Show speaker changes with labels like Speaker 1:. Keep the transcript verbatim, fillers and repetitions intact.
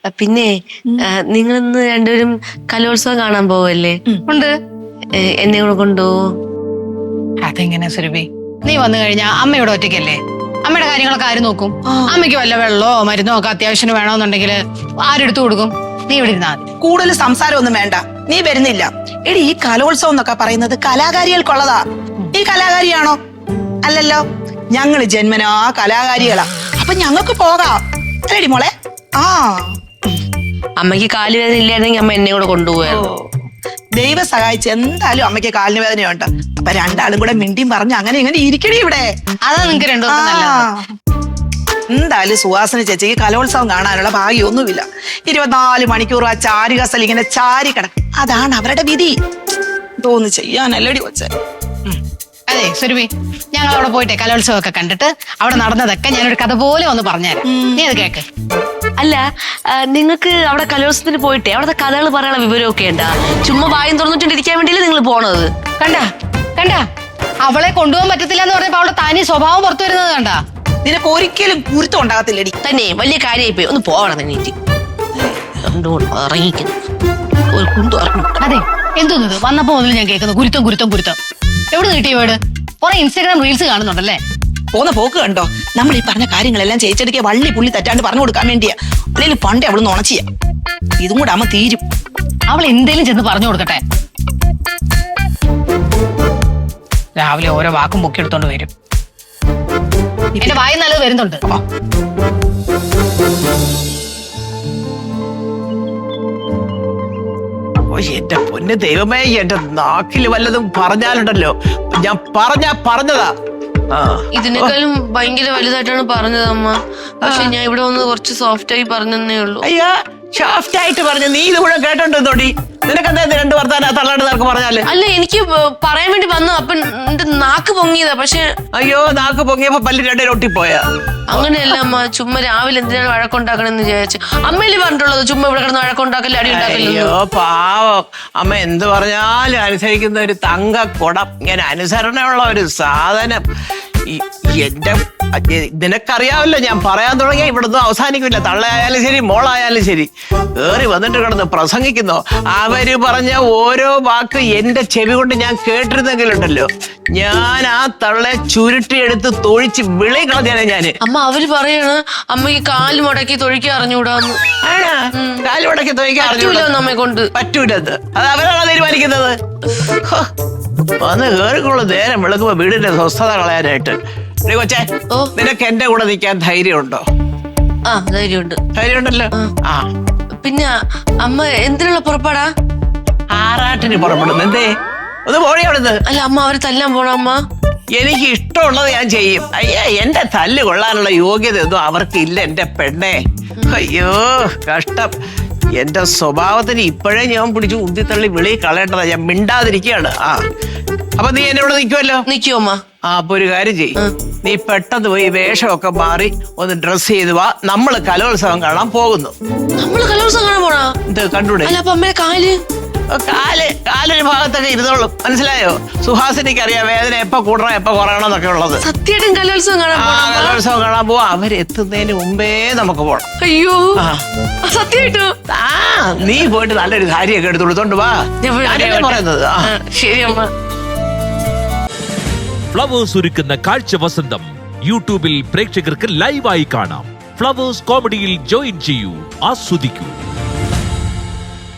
Speaker 1: പിന്നെ നിങ്ങൾ ഇന്ന് രണ്ടുപേരും കലോത്സവം കാണാൻ പോവല്ലേ?
Speaker 2: ഉണ്ട്.
Speaker 1: എന്നെ കൂടെ കൊണ്ടുപോവോ?
Speaker 2: അതെങ്ങനെ സുരഭി? നീ വന്നു കഴിഞ്ഞാ അമ്മയോട് ഒറ്റയ്ക്കല്ലേ? അമ്മയുടെ കാര്യങ്ങളൊക്കെ ആര് നോക്കും? അമ്മയ്ക്ക് വല്ല വെള്ളമോ മരുന്നോ ഒക്കെ അത്യാവശ്യം വേണമെന്നുണ്ടെങ്കിൽ ആരെടുത്തു കൊടുക്കും? നീ ഇവിടെ ഇരുന്നാ മതി.
Speaker 3: കൂടുതൽ സംസാരമൊന്നും വേണ്ട. നീ വരുന്നില്ല. എടി, ഈ കലോത്സവം എന്നൊക്കെ പറയുന്നത് കലാകാരികൾക്കുള്ളതാ. ഈ കലാകാരിയാണോ? അല്ലല്ലോ. ഞങ്ങള് ജന്മനാ കലാകാരികളാ. അപ്പൊ ഞങ്ങൾക്ക് പോകാം അല്ലേടി മോളെ? ആ,
Speaker 1: അമ്മയ്ക്ക് കാല് വേദന ഇല്ലായിരുന്നെങ്കിൽ അമ്മ എന്നെ കൂടെ കൊണ്ടുപോയായിരുന്നു.
Speaker 3: ദൈവം സഹായിച്ച് എന്തായാലും അമ്മയ്ക്ക് കാലിന് വേദനയുണ്ട്. അപ്പൊ രണ്ടാളും കൂടെ മിണ്ടിയും പറഞ്ഞ് അങ്ങനെ ഇങ്ങനെ ഇരിക്കണേ ഇവിടെ.
Speaker 2: അതാ നിങ്ങക്ക് രണ്ടു
Speaker 3: എന്തായാലും സുഹാസിനി ചേച്ചിക്ക് കലോത്സവം കാണാനുള്ള ഭാഗ്യമൊന്നുമില്ല. ഇരുപത്തിനാല് മണിക്കൂർ ആ ചാരുകസൽ ഇങ്ങനെ ചാരി കിടക്കും. അതാണ് അവരുടെ വിധി. തോന്നു ചെയ്യാനല്ലടി കൊച്ചേ.
Speaker 2: അതെ സുരഭി, ഞങ്ങൾ അവിടെ പോയിട്ടെ കലോത്സവം ഒക്കെ കണ്ടിട്ട് അവിടെ നടന്നതൊക്കെ ഞാനൊരു കഥ പോലെ ഒന്ന് പറഞ്ഞുതരാം. നീ അത് കേക്ക്.
Speaker 1: അല്ല, നിങ്ങൾക്ക് അവിടെ കലോത്സവത്തിന് പോയിട്ടേ അവിടുത്തെ കഥകൾ പറയാനുള്ള വിവരമൊക്കെ ഉണ്ടാ? ചുമ്മാ വായും തുറന്നിട്ടിരിക്കാൻ വേണ്ടിയല്ലേ നിങ്ങൾ പോണത്?
Speaker 2: കണ്ടാ കണ്ടാ അവളെ കൊണ്ടുപോകാൻ പറ്റത്തില്ല എന്ന് പറഞ്ഞപ്പോ അവളുടെ തനി സ്വഭാവം പുറത്തു വരുന്നത് കണ്ടാ?
Speaker 3: നിനക്ക് ഒരിക്കലും കുരുത്തം ഉണ്ടാകത്തില്ലടി.
Speaker 1: തന്നെ വലിയ കാര്യമായി പോയി. ഒന്ന് പോവണം നീറ്റ് ഇറങ്ങിക്കുന്നു.
Speaker 2: അതെ, എന്തോന്നത് വന്നപ്പോ മുതൽ ഞാൻ കേൾക്കുന്നു കുരുത്തം കുരുത്തം കുരുത്തം. എവിടെ കിട്ടിയ വീട്? കുറെ ഇൻസ്റ്റാഗ്രാം റീൽസ് കാണുന്നുണ്ടല്ലേ?
Speaker 3: പോന്ന പോക്ക് കണ്ടോ? നമ്മൾ ഈ പറഞ്ഞ കാര്യങ്ങളെല്ലാം ചേച്ചടിക്ക് വള്ളി പുള്ളി തെറ്റാണ്ട് പറഞ്ഞു കൊടുക്കാൻ വേണ്ടിയാ. അല്ലെങ്കിൽ പണ്ടേ അവള് നുണച്ചിയ. ഇതും കൂടെ അമ്മ തീരും.
Speaker 2: അവൾ എന്തേലും ചെന്ന് പറഞ്ഞു കൊടുക്കട്ടെ. രാവിലെ ഓരോ വാക്കും പൊക്കിയെടുത്തോണ്ട് വരും. എന്റെ വായി നല്ലത് വരുന്നുണ്ട്.
Speaker 4: എന്റെ പൊന്ന് ദൈവമേ, എന്റെ നാക്കിൽ വല്ലതും പറഞ്ഞാലുണ്ടല്ലോ, ഞാൻ പറഞ്ഞാ പറഞ്ഞതാ.
Speaker 1: ഇതിനേക്കാളും ഭയങ്കര വലുതായിട്ടാണ് പറഞ്ഞത് അമ്മ. പക്ഷെ ഞാൻ ഇവിടെ വന്ന് കുറച്ച് സോഫ്റ്റ് ആയി പറഞ്ഞേ ഉള്ളൂ.
Speaker 4: അയ്യാ, ഷാഫ്റ്റ് ആയിട്ട് പറഞ്ഞു. നീ ഇത് മുഴുവൻ കേട്ടോണ്ടോടി? നിനക്കെന്താ രണ്ട് വർത്താനം തള്ളാണ്ട് നിനക്ക് പറഞ്ഞാല്?
Speaker 1: അല്ല, എനിക്ക് പറയാൻ വേണ്ടി വന്നു. അപ്പൊ എന്റെ നാക്ക് പൊങ്ങിയതാ. പക്ഷെ
Speaker 4: അയ്യോ, നാക്ക് പൊങ്ങിയപ്പോ പല്ല് രണ്ടേ ഒട്ടിപ്പോയാ?
Speaker 1: അങ്ങനെയല്ല അമ്മ. ചുമ്മാ രാവിലെ എന്തിനാണ് വഴക്കുണ്ടാക്കണെന്ന് വിചാരിച്ചു. അമ്മയില് പറഞ്ഞിട്ടുള്ളത് ചുമ്മാ ഇവിടെ കിടന്ന് വഴക്കുണ്ടാക്കല്ലേ, അടി ഉണ്ടാക്കല്ലോ.
Speaker 4: അയ്യോ പാവം അമ്മ, എന്ത് പറഞ്ഞാലും അനുസരിക്കുന്ന ഒരു തങ്കക്കുടം. ഇങ്ങനെ അനുസരണയുള്ള ഒരു സാധനം. എന്റെ നിനക്കറിയാമല്ലോ, ഞാൻ പറയാൻ തുടങ്ങിയ ഇവിടുന്ന് അവസാനിക്കില്ല. തള്ളയായാലും ശരി, മോളായാലും ശരി, കേറി വന്നിട്ട് കിടന്ന് പ്രസംഗിക്കുന്നോ. അവര് പറഞ്ഞ ഓരോ വാക്ക് എന്റെ ചെവി കൊണ്ട് ഞാൻ കേട്ടിരുന്നെങ്കിലുണ്ടല്ലോ, ഞാൻ ആ തള്ളെ ചുരുട്ടിയെടുത്ത് തൊഴിച്ച് വിളി കളഞ്ഞാണ് ഞാന്.
Speaker 1: അമ്മ അവര് പറയാണ് അമ്മക്ക് കാല് മുടക്കി തൊഴിക്കാൻ അറിഞ്ഞൂടാന്ന്.
Speaker 4: ആണോ? കാല് മുടക്കി തൊഴിക്കാൻ അറിഞ്ഞൂടാ
Speaker 1: നമ്മെ കൊണ്ട്?
Speaker 4: പറ്റൂലത്. അത് അവരാണോ തീരുമാനിക്കുന്നത്? വന്ന് കേറിക്കുള്ള നേരം വിളക്കുമ്പോ വീടിന്റെ സ്വസ്ഥത കളയാനായിട്ട്. കൊച്ചേ, നിനക്ക് എന്റെ കൂടെ നിൽക്കാൻ ധൈര്യമുണ്ടോ?
Speaker 1: ആ, ധൈര്യമുണ്ട്.
Speaker 4: ധൈര്യമുണ്ടല്ലോ. ആ,
Speaker 1: പിന്നെ അമ്മ എന്തിനുള്ള പുറപ്പാടാ?
Speaker 4: ആറാട്ടിന് പുറപ്പെടുന്നു. എന്തേ? ഒന്ന് പോഴി അവിടുന്ന്.
Speaker 1: അല്ല അമ്മ, അവര് തല്ലാൻ പോണ അമ്മ?
Speaker 4: എനിക്ക് ഇഷ്ടമുള്ളത് ഞാൻ ചെയ്യും. അയ്യ, എന്റെ തല്ല് കൊള്ളാനുള്ള യോഗ്യത ഒന്നും അവർക്കില്ല എന്റെ പെണ്ണെ. അയ്യോ കഷ്ടം. എന്റെ സ്വഭാവത്തിന് ഇപ്പോഴേ ഞാൻ പിടിച്ച് ഉന്തിത്തള്ളി വിളി കളയേണ്ടതാ. ഞാൻ മിണ്ടാതിരിക്കുകയാണ്. ആ, അപ്പൊ നീ എന്നോട് നിൽക്കുമല്ലോ?
Speaker 1: നിൽക്കുമോ അമ്മ?
Speaker 4: ആ, അപ്പൊ ഒരു കാര്യം ചെയ്യും. നീ പെട്ടെന്ന് പോയി വേഷമൊക്കെ മാറി ഒന്ന് ഡ്രസ് ചെയ്ത് വാ. നമ്മള് കലോത്സവം കാണാൻ പോകുന്നു.
Speaker 1: നമ്മള് കലോത്സവം കാണാൻ പോണാ?
Speaker 4: ഇത് കണ്ടൂടെ?
Speaker 1: അല്ല, അപ്പൊ അമ്മയുടെ കാല്
Speaker 4: കാല് കാലൊരു ഭാഗത്തൊക്കെ ഇരുന്നോളും. മനസ്സിലായോ? സുഹാസിനിക്ക് അറിയാം വേദന എപ്പോ കൂടണം എപ്പോ കുറയണം എന്നൊക്കെ ഉള്ളത്.
Speaker 1: സത്യമായിട്ടും കലോത്സവം കാണാൻ
Speaker 4: ആ, കലോത്സവം കാണാൻ പോവാ. അവരെത്തുന്നതിന് മുമ്പേ നമുക്ക് പോണം.
Speaker 1: അയ്യോ, സത്യമായിട്ടോ?
Speaker 4: ആ, നീ പോയിട്ട് നല്ലൊരു സാരിയൊക്കെ എടുത്ത് കൊടുത്തോണ്ട് വാ. ഞാനല്ലേ പറയുന്നത്.
Speaker 1: ശരി അമ്മ.
Speaker 5: ഫ്ലവേഴ്സ് ഒരുക്കുന്ന കാഴ്ച വസന്തം യൂട്യൂബിൽ പ്രേക്ഷകർക്ക് ലൈവായി കാണാം. ഫ്ലവേഴ്സ് കോമഡിയിൽ ജോയിൻ ചെയ്യൂ, ആസ്വദിക്കൂ.